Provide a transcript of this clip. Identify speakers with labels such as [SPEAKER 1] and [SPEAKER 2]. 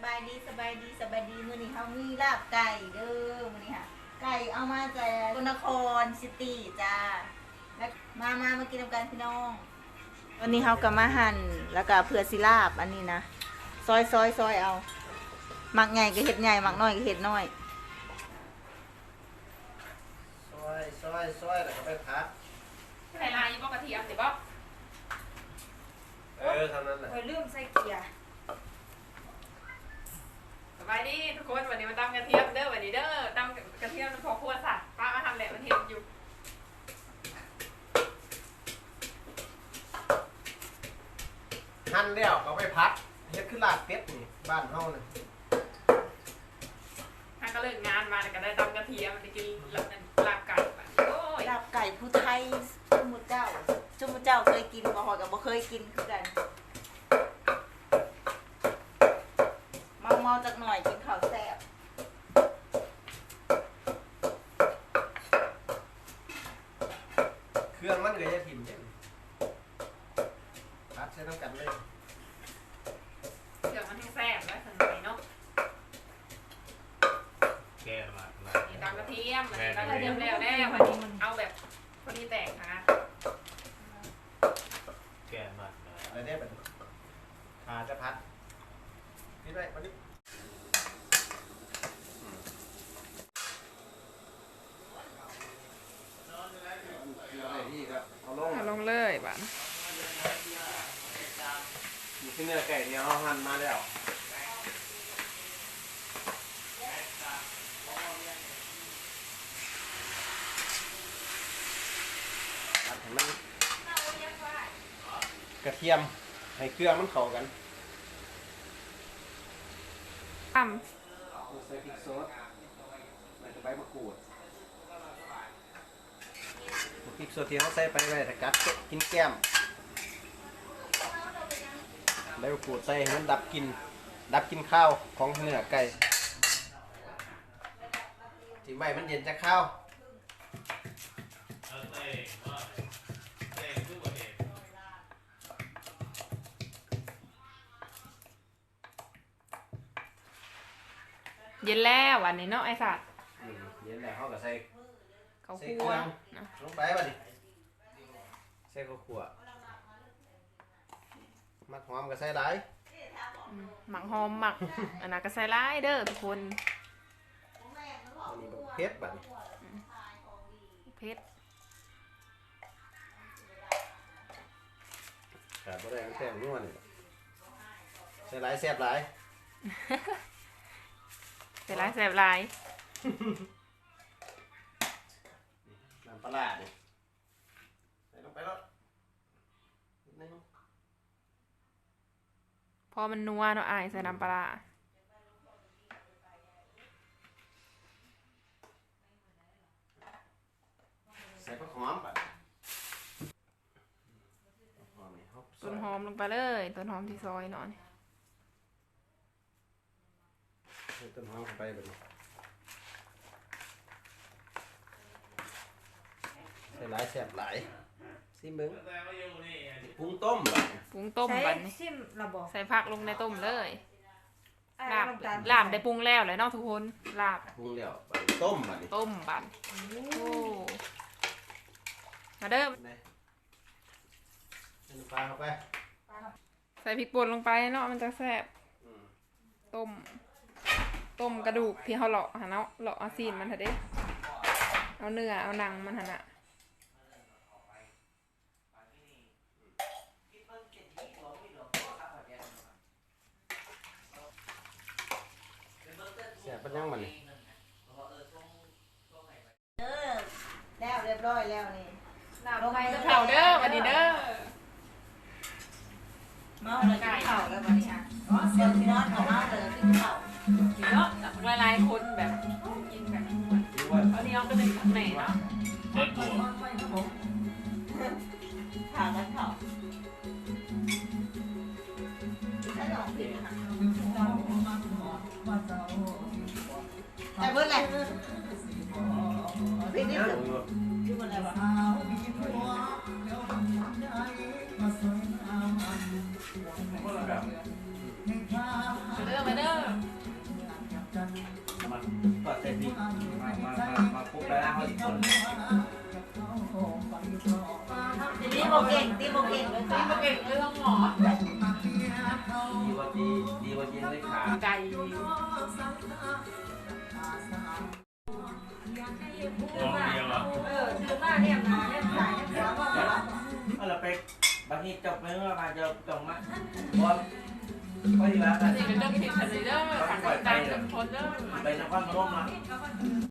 [SPEAKER 1] ายดีมื้อนี้เขามีลาบไก่เด้อมื้อนี้ค่ะไก่เอามาจากนครซิตี้จ้าแล้วมากินกันพี่น้องวันนี้เขาก็มาหั่นแล้วก็เผื่อสิลาบอันนี้นะซอยเอามักใหญ่ก็เห็ดใหญ่มักน้อยก็เห็ดน้อย
[SPEAKER 2] ซอยแล้วก็ไปพัก
[SPEAKER 3] ใส่ลายยี่บอกกระเทียมเดี๋ยวบอก
[SPEAKER 2] เท่านั้นแหละ
[SPEAKER 1] ลืมใส่เกลือ
[SPEAKER 3] สบายดีทุกคนวันนี้มาตำกระเทียมเด้อวันนี้เด้อตำกระเทียมพอครัวสัตว์ป้ามาทำแหละมันเห็นอยู่
[SPEAKER 2] หั่นแล้วก็ไปพักเฮ็ดขึ้นลาบเป็ดนี่บ้านเฮานี่
[SPEAKER 3] ถ้าก็เลิกงานมาก็ได้ตำกระเทียมไปกินลาบไก่โอ้ย
[SPEAKER 1] ลาบไก่ผู้ไทยจุมุเจ้าเคยกินบ่ฮอดก็บ่เคยกินคือกันเมาจักหน่อยกินข้าวแซ่บ
[SPEAKER 2] เครื่องมันก็จะถิ่มเด้พักใช้น้ำกันเลย
[SPEAKER 3] เดี๋ยวมันให้แซ่บแล้วสมัยเนาะ
[SPEAKER 4] แก่มา
[SPEAKER 3] ตำกระเทียมวันนี้ตำกระเทียมแล้ววันนี้มันเอาแบบพอดีแตกค่ะ
[SPEAKER 4] แก่มา
[SPEAKER 2] อะไรได้แบบขาจะพัดนี่ไปวันนี้
[SPEAKER 3] เอาลงเลยบ้าน
[SPEAKER 2] มีที่เนื้อไก่เนี่ยเอาหั่นมาแล้วหั่นให้มันกระเทียมให้เครื่องมันเข้ากัน
[SPEAKER 3] ต
[SPEAKER 2] ใส่พริกซดใส่ใบมะกรูดพริกสดที่เขาใส่ไปไว้ถ้ากัดกินแก้มใบมะกรูดใส่ให้มันดับกลินข้าวของเนื้อไก่ทิ้งไว้มันเย็นจะข้าว
[SPEAKER 3] เย็นแล้ววันนี้เนาะไอ้สัตว์
[SPEAKER 2] เย็นแล้วเขาก็ใส่
[SPEAKER 3] เขาคั่ว
[SPEAKER 2] ลงไปบ่ดิใส่ข้าวคั่วมักหอมก็ใส่หลาย
[SPEAKER 3] หมักหอมหมักอันนั้นก็ใส่หลายเด้อทุกคน
[SPEAKER 2] อันนี้แบบเผ็ดบัดนี้
[SPEAKER 3] เผ็ด
[SPEAKER 2] ขาดบ่ได้แป้งนัวนี่ใส่หลายแซ่บหลาย
[SPEAKER 3] ใส่หลายแซ่บหลาย
[SPEAKER 2] น้ำปลาดิใส่ลงไปแล้วนิดนึง
[SPEAKER 3] พอมันนัวเนาะอายใส่น้ำปลา
[SPEAKER 2] ใส่ผักหอมป่ะ
[SPEAKER 3] ต้นหอมลงไปเลยต้นหอมที่ซอยหน่อย
[SPEAKER 2] ใส่ต้นหอมเข้าไปแบบนี้ใส่หลายแซ่บหลายซิมึงปรุงต้ม
[SPEAKER 3] บัดนี้
[SPEAKER 1] ชิมระบบ
[SPEAKER 3] ใส่ผักลงในต้มเลยลาบได้ปรุงแล้วเลยเนาะทุกคนลาบ
[SPEAKER 2] ปรุงแล้วต้มบัดนี้
[SPEAKER 3] ต้มบัดโอ้มาเด้อ
[SPEAKER 2] ใส่ปลาเข้าไป
[SPEAKER 3] ใส่พริกป่นลงไปเนาะมันจะแซ่บต้มกระดูกที่เขาเลาะหะเนาะเลาะเอาซีนมันเถอะเด้เอาเนื้อเอาหนังมันหะน่ะ
[SPEAKER 2] แซ่บปัญญังมันนี่
[SPEAKER 1] แล้วเรียบร้อยแล้วนี่
[SPEAKER 3] ลงไปจะเผาเด้อวันนี้เด้อ
[SPEAKER 1] เมาเลยกินข้าวแล้ววันนี้ค่ะเสียงที่นอนของเมาเลยกินข้าว
[SPEAKER 3] เยอะแต่หลายคนแบบกินแบบเอาเนี้ยก็เป็นไหนเนาะ
[SPEAKER 4] เจ็ดตัว
[SPEAKER 1] ข่าวกันข่าวถ้าหนองผิดค่ะแต่เพื่อนอะไรผิดนิดหนึ่งชื่อมันอะไรวะ
[SPEAKER 3] ไปเด้อ
[SPEAKER 1] โบเก่งเลยค่ะ
[SPEAKER 3] เก่งเลยต้องหมอ
[SPEAKER 2] ดีกว่าจีนเลยขา
[SPEAKER 3] ไก่
[SPEAKER 4] น้องเดียวอ่ะ
[SPEAKER 1] คือว่าเนี่ยมาเนี่ยสายเนี่ยหัวว่า
[SPEAKER 2] เอาละไปบางทีจบเลยว่ามาจะจบมาบอลก็ดีแล้ว
[SPEAKER 3] นี่เป็นเรื่องผิดคดีเด้อขัดใจจนทนเด้อ
[SPEAKER 2] ไปนครพนมนะ